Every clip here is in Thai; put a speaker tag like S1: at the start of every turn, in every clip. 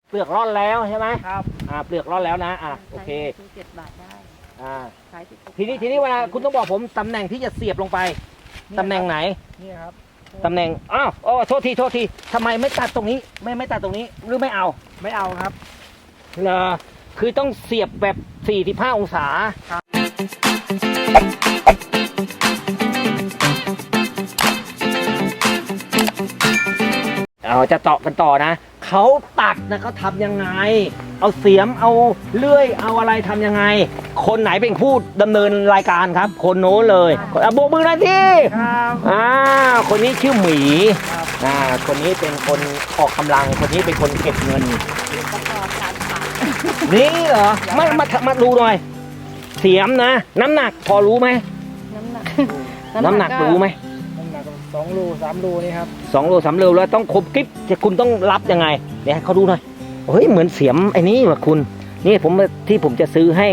S1: เปลือกร่อนแล้วใช่ไหม
S2: ครับ
S1: เปลือกร่อนแล้วนะโอเค
S3: 7 บาทได้ขาย16
S1: ทีนี้เวลาคุณต้องบอกผมตำแหน่งที่จะเสียบลงไปตำแหน่งไหน
S2: นี่ครับ
S1: ตำแหน่งโทษทีทำไมไม่ตัดตรงนี้ไม่ตัดตรงนี้หรือไม่เอา
S2: ไม่เอาครับ
S1: เหรอคือต้องเสียบแบบ45องศาจะเจาะกันต่อนะเขาตัดนะเขาทำยังไงเอาเสียมเอาเลื่อยเอาอะไรทำยังไงคนไหนเป็นผู้ดำเนินรายการครับคนโน้นเลยโบกมือหน่อยที่
S2: ครับ
S1: คนนี้ชื่อหมี
S2: ครับ
S1: คนนี้เป็นคนออกกำลังคนนี้เป็นคนเก็บเงิน
S3: ประกอบการขาย
S1: นี่เหรอมาดูหน่อยเสียมนะน้ำหนักพอรู้ไหม
S3: น้ำหนัก
S1: น้ำหนักรู้ไหม
S2: น้ำหนัก2 โล 3 โลนี่ครับ
S1: 2 โล 3 โลแล้วต้องคมกริบจะคุณต้องรับยังไงเดี๋ยวให้เขาดูหน่อยเฮ้ยเหมือนเสียมไอ้นี่ว่ะคุณนี่ผมจะซื้อให้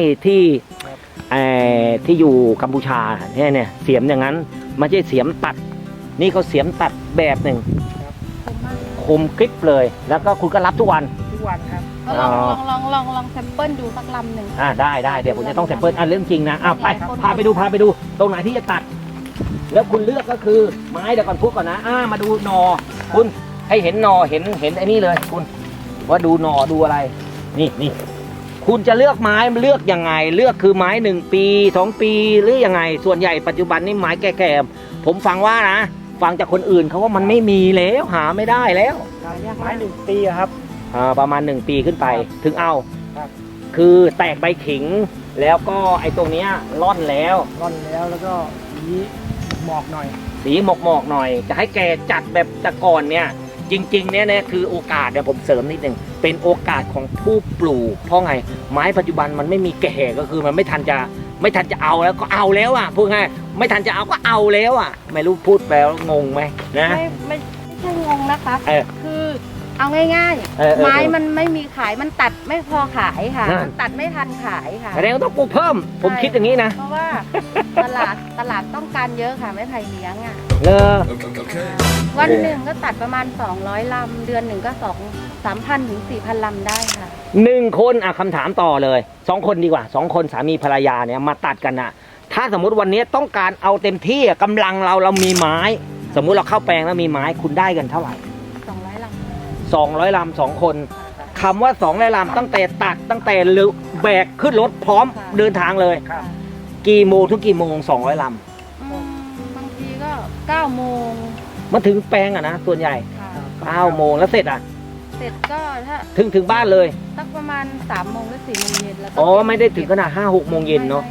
S1: ที่อยู่กัมพูชาเนี่ยเสียมอย่างนั้นไม่ใช่เสียมตัดนี่เขาเสียมตัดแบบหนึ่ง
S3: คมมาก
S1: คมกริบเลย แล้วก็คุณก็รับทุกวัน
S2: ทุกวันครับ
S3: ลองแซมเปิลดูสักลำหนึ่ง
S1: ได้เดี๋ยวผมจะต้องแซมเปิลเรื่องจริงนะพาไปดูตรงไหนที่จะตัด แล้วคุณเลือกก็คือไม้เดี๋ยวก่อนพูดก่อนนะมาดูหนอคุณให้เห็นหนอเห็นไอ้นี่เลยคุณว่าดูหนอดูอะไรนี่คุณจะเลือกไม้เลือกยังไงเลือกคือไม้1 ปี2 ปีหรือยังไงส่วนใหญ่ปัจจุบันนี่ไม้แก่ๆผมฟังว่านะฟังจากคนอื่นเขาว่ามันไม่มีแล้วหาไม่ได้แล้ว
S2: ไม้1 ปีครับ
S1: ประมาณ1 ปีขึ้นไปถึงเอา
S2: ครับ
S1: คือแตกใบขิงแล้วก็ไอ้ตรงเนี้ยร่อนแล้ว
S2: ร่อนแล้วก็สีหมอกหน่อย
S1: สีหมอกหน่อยจะให้แกจัดแบบแต่ก่อนเนี่ยจริงๆเนี่ยคือโอกาสเดี๋ยวผมเสริมนิดนึงเป็นโอกาสของผู้ปลูกเพราะไงไม้ปัจจุบันมันไม่มีแก่ก็คือมันไม่ทันจะเอาแล้วก็เอาแล้วพูดง่ายไม่ทันจะเอาก็เอาแล้วไม่รู้พูดแปลว่างงไหมนะ
S3: ไม่ใช่งงนะคะ คือเอาง่าย
S1: ๆ
S3: ไม้มันไม่มีขายมันตัดไม่พอขายค่ะมันตัดไม่ทันขายค่ะ
S1: แสดงว่าต้องปลูกเพิ่มผมคิดอย่างนี้นะ
S3: เพราะว่าตลาดต้องการเยอะค่ะไม้ไผ่เลี้ยงวันหนึ่งก็ตัดประมาณ200 ลำเดือนหนึ่งก็3,000 ถึง 4,000 ลำได้ค่ะ
S1: 1 คนคำถามต่อเลย2 คนดีกว่า2 คนสามีภรรยาเนี่ยมาตัดกันถ้าสมมุติวันนี้ต้องการเอาเต็มที่กำลังเรามีไม้สมมุติเราเข้าแปลงแล้วมีไม้คุณได้กันเท่าไหร่
S3: 200 ลำ
S1: 200 ลำ2 คนคำว่า200 ลำตั้งแต่ตัดตั้งแต่แบกขึ้นรถพร้อมเดินทางเลย
S2: ครับ
S1: กี่โมงถึงกี่โมง200 ลำ
S3: บางทีก็9 โมง
S1: มาถึงแปลงนะส่วนใหญ่9 โมงแล้วเสร็จ
S3: เสร็จก็ถ้า
S1: ถึงบ้านเลย
S3: สักประมาณ3 โมงหรือ4 โมงเย็นแล้ว
S1: ไม่ได้ถึงขนาด5-6 โมงเย็นเนาะ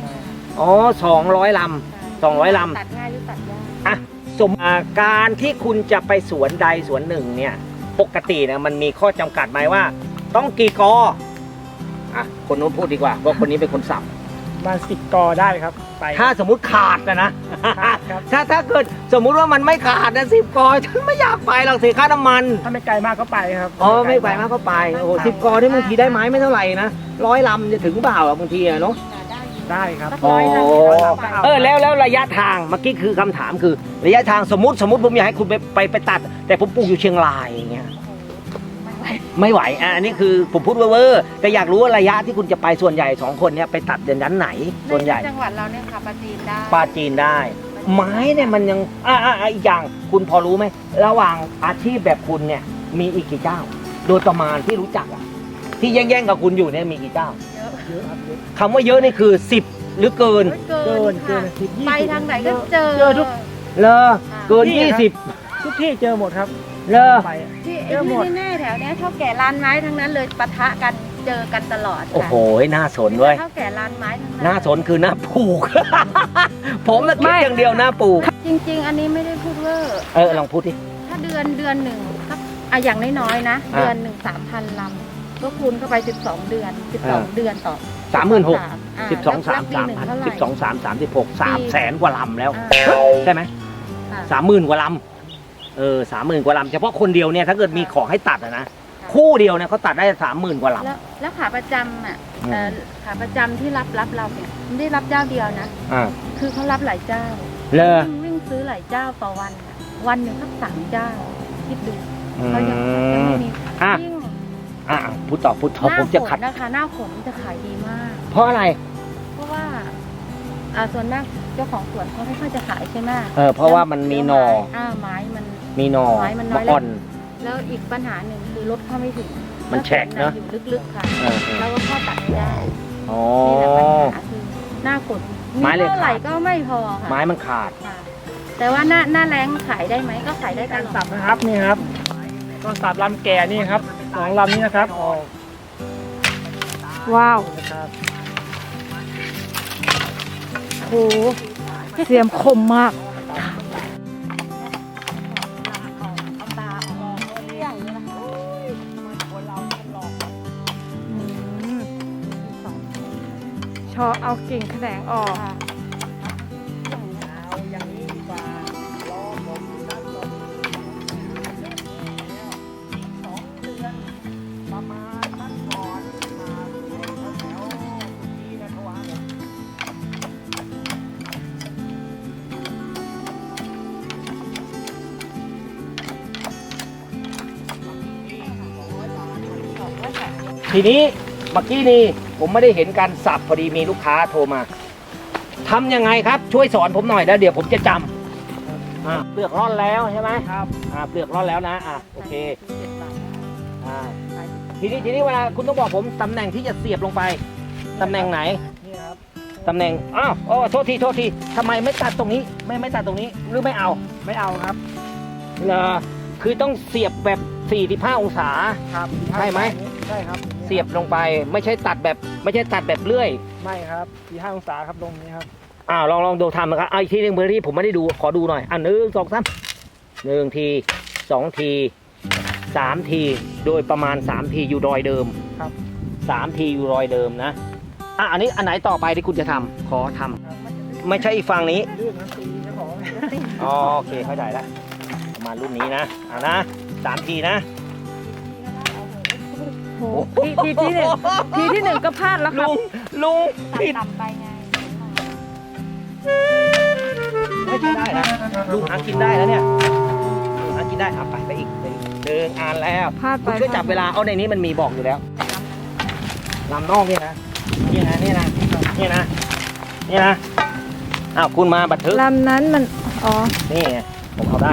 S1: 200 ลำ200 ลำ
S3: ตัดง่ายหรือตัดยาก
S1: สมการที่คุณจะไปสวนใดสวนหนึ่งเนี่ยปกตินะมันมีข้อจำกัดไหมว่า ต้องกี่กอคนโน้นพูดดีกว่าเพราะคนนี้เป็นคนสับ
S2: มา10 กอได้ครับไป
S1: ถ้าสมมุติขาดนะ
S2: ครับ
S1: ถ้าเกิดสมมุติว่ามันไม่ขาดนะ10 กอฉันไม่อยากไปหรอกเสียค่าน้ำมัน
S2: ถ้าไม่ไกลมากก็ไปครับ
S1: ไม่ไกลมากก็ไป10 กอที่บางทีได้ไม้ไม่เท่าไหร่นะ100 ลำจะถึงเปล่าบางทีเนาะ
S2: ได้ครับ
S1: แล้วระยะทางเมื่อกี้คือคำถามคือระยะทางสมมติผมอยากให้คุณไปตัดแต่ผมปลูกอยู่เชียงรายอย่างเงี้ยไม่ไหวอันนี้คือผมพูดเวอร์แต่อยากรู้ว่าระยะที่คุณจะไปส่วนใหญ่2 คนเนี่ยไปตัดเดือนนั้นไหนส่วนใหญ่
S3: จังหวัดเราเนี่ยค่ะปราจีนได้
S1: ไม้เนี่ยมันยังอีกอย่างคุณพอรู้ไหมระหว่างอาชีพแบบคุณเนี่ยมีอีกกี่เจ้าโดยประมาณที่รู้จักที่แย่งกับคุณอยู่เนี่ยมีกี่เจ้า
S2: เยอะครับ
S1: คำว่าเยอะนี่คือ10หรือเกิน
S3: 10 ไปทางไหนก็เจอ
S2: ทุก
S1: เกิน20
S2: ทุกที่เจอหมดครับ
S3: ที่แน่แถวนี้เท่าแก่ร้านไม้ทั้งนั้นเลยปะทะกันเจอกันตลอด
S1: โอ้โหน่าสนเว้ย
S3: เท่าแก่ร้านไม้ทั้งนั้น
S1: น่าสนคือหน้าปลูกผมน่ะคิดอย่างเดียวหน้าปลูก
S3: จริงๆอันนี้ไม่ได้พูดเวอร์
S1: ลองพูดดิ
S3: ถ้าเดือนหนึ่งสักอย่างน้อยๆนะเดือนหนึ่ง 3,000 ลำก็คูณเข้าไป12 เดือนต่อ
S1: 36,000 12 3 12 3 36 300,000 กว่าลำแล้วใช่ไหม30,000 กว่าลำ30,000 กว่าลำเฉพาะคนเดียวเนี่ยถ้าเกิดมีของให้ตัดนะคู่เดียวเนี่ยเขาตัดได้ 30,000 กว่าล
S3: ำแล้วขาประจำขาประจำที่รับเราเนี่ยไม่ได้รับเจ้าเดียวนะคือเขารับหลายเจ้าวิ่งซื้อหลายเจ้าต่อวันหนึ่งสัก3 เจ้าคิดดูเขายังไม่มี
S1: พูดต่อผมจะขัด
S3: หน้าฝนนะคะหน้าฝนจะขายดีมาก
S1: เพราะอะไร
S3: เพราะว่าส่วนมากเจ้าของสวนเขาไม่ค่อยจะขายใช่ไหม
S1: เพราะว่ามันมีหน่อ
S3: ไม้มัน
S1: มีหน่อ
S3: ไม้มันน้อย
S1: อ่อน
S3: แล้วอีกปัญหาหนึ่งคือรถเข้าไม่ถึง
S1: มันแฉะเนอะ
S3: อยู่ลึกๆค่ะ
S1: เออ
S3: เราก็เข้าตัดไม่ได้
S1: อ๋อ
S3: นี่แหละปัญหาคือหน้าฝน
S1: ไม้เลย
S3: เท่าไหร่ก็ไม่พอค่ะ
S1: ไม้มันขาด
S3: ค่ะ แต่ว่าหน้าแรงขายได้ไหมก็ขายได้ต
S2: การ
S3: ลอ
S2: สั
S3: ด
S2: บนะครับนี่ครับก็สับลำแก่นี่ครับ2 ลำนี้นะครับออก
S4: ว้าว
S2: นะครับ
S4: โหเสียมคมมาก ชอเอากิ่งแขนงออก
S2: เอาอย่างนี้ดีกว่ารอผมนั่งลม2 เดือนประมาณนั้นก่อนมาแถวๆที่นะทวารผม
S1: ทีนี้เมื่อกี้นี่ผมไม่ได้เห็นการสับพอดีมีลูกค้าโทรมาทำยังไงครับช่วยสอนผมหน่อยแล้วเดี๋ยวผมจะจำเปลือกร่อนแล้วใช่ไหม
S2: ครับ
S1: เปลือกร่อนแล้วนะโอเคทีนี้เวลาคุณต้องบอกผมตำแหน่งที่จะเสียบลงไปตำแหน่งไหน
S2: นี่ครับ
S1: ตำแหน่งโทษทีทำไมไม่ตัดตรงนี้ไม่ตัดตรงนี้หรือไม่เอา
S2: ไม่เอาครับ
S1: เหรอคือต้องเสียบแบบ45องศา
S2: ครับ
S1: ใช่ไหม
S2: ใช่ครับ
S1: เสียบลงไปไม่ใช่ตัดแบบเลื่อย
S2: ไม่ครับ45 องศาครับตรงนี้ครับ
S1: ลองดูทำนะครับอีกทีหนึ่งเพื่อที่ผมไม่ได้ดูขอดูหน่อย1 2 3 1 ที2 ที3 ทีโดยประมาณ3 ทีอยู่รอยเดิม
S2: ครับ
S1: 3 ทีอยู่รอยเดิมนะอันนี้อันไหนต่อไปที่คุณจะทำขอทำไม่ใช่อีกฝั่งนี้
S2: ลื่นนะตีเจ้าของ
S1: โอเคเข้าใจแล้วประมาณรุ่นนี้นะนะ3 ทีนะ
S4: โหทีที่หนึ่งก็พลาดแล้วครับ
S1: ลุง
S3: ตัด
S1: ผิด
S3: ต่ำไปไง
S1: ไม่ใช่ได้นะลุงหากินได้แล้วเนี่ยลุงหากินได้ไปอีกอ่านแล้ว
S4: พลาดไป
S1: คุณช่วยจับเวลาเอาในนี้มันมีบอกอยู่แล้วลำนอกเนี่ยนะคุณมาบันทึก
S4: ลำนั้นมัน อ๋อ
S1: นี่ไงผมเอาได้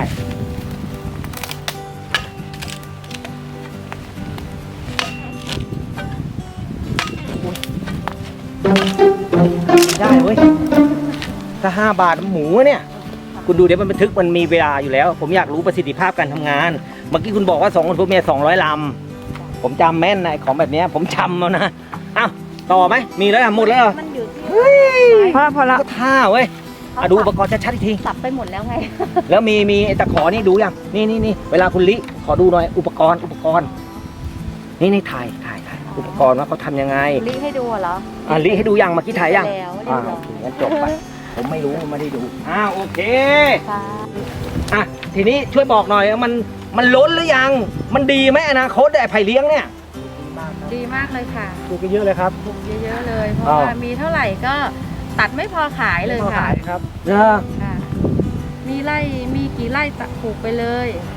S1: ได้เว้ยถ้า5 บาทหมูเนี่ยคุณดูเดี๋ยวมันบันทึกมันมีเวลาอยู่แล้ว ผมอยากรู้ประสิทธิภาพการทำงาน เมื่อกี้คุณบอกว่า2 คนพวกเมีย200 ลำผมจำแม่นนะของแบบเนี้ยผมจำแล้วนะต่อไหมมีแล้วหมดแล้วเหรอ
S3: มันอยู่ที่
S4: พอละ
S1: ก็ท่าเว้ยดูอุปกรณ์ชัดๆอีกที
S3: สับไปหมดแล้วไง
S1: แล้วมีไอ้ตะขอนี่ดูยังนี่เวลาคุณลิขอดูหน่อยอุปกรณ์นี่ถ่ายอุปกรณ์ว่าเขาทำยังไง
S3: ลิให้ดูเหรอ
S1: ลิให้ดูยังเมื่อกี้ถ่ายยัง
S3: แล้วเรียบร้
S1: โอ
S3: อย
S1: เคงั้นจบไปผมไม่รู้ไม่ได้ดูโอเค
S3: ค่ะ
S1: ทีนี้ช่วยบอกหน่อยว่ามันล้นหรือยังมันดีไหมอนาคตไอ้ไผ่เลี้ยงเนี่ย
S3: ดีมากเลยค่ะ
S2: ปลูกกันเยอะเลยครับ
S3: ปลูกเยอะๆเลย เพราะว่ามีเท่าไหร่ก็ตัดไม่พอขายเลย
S2: ไม่พอ
S3: ค่ะ
S2: ขายครับ
S3: ค่ะ มีกี่ไร่ตัดปลูกไปเลย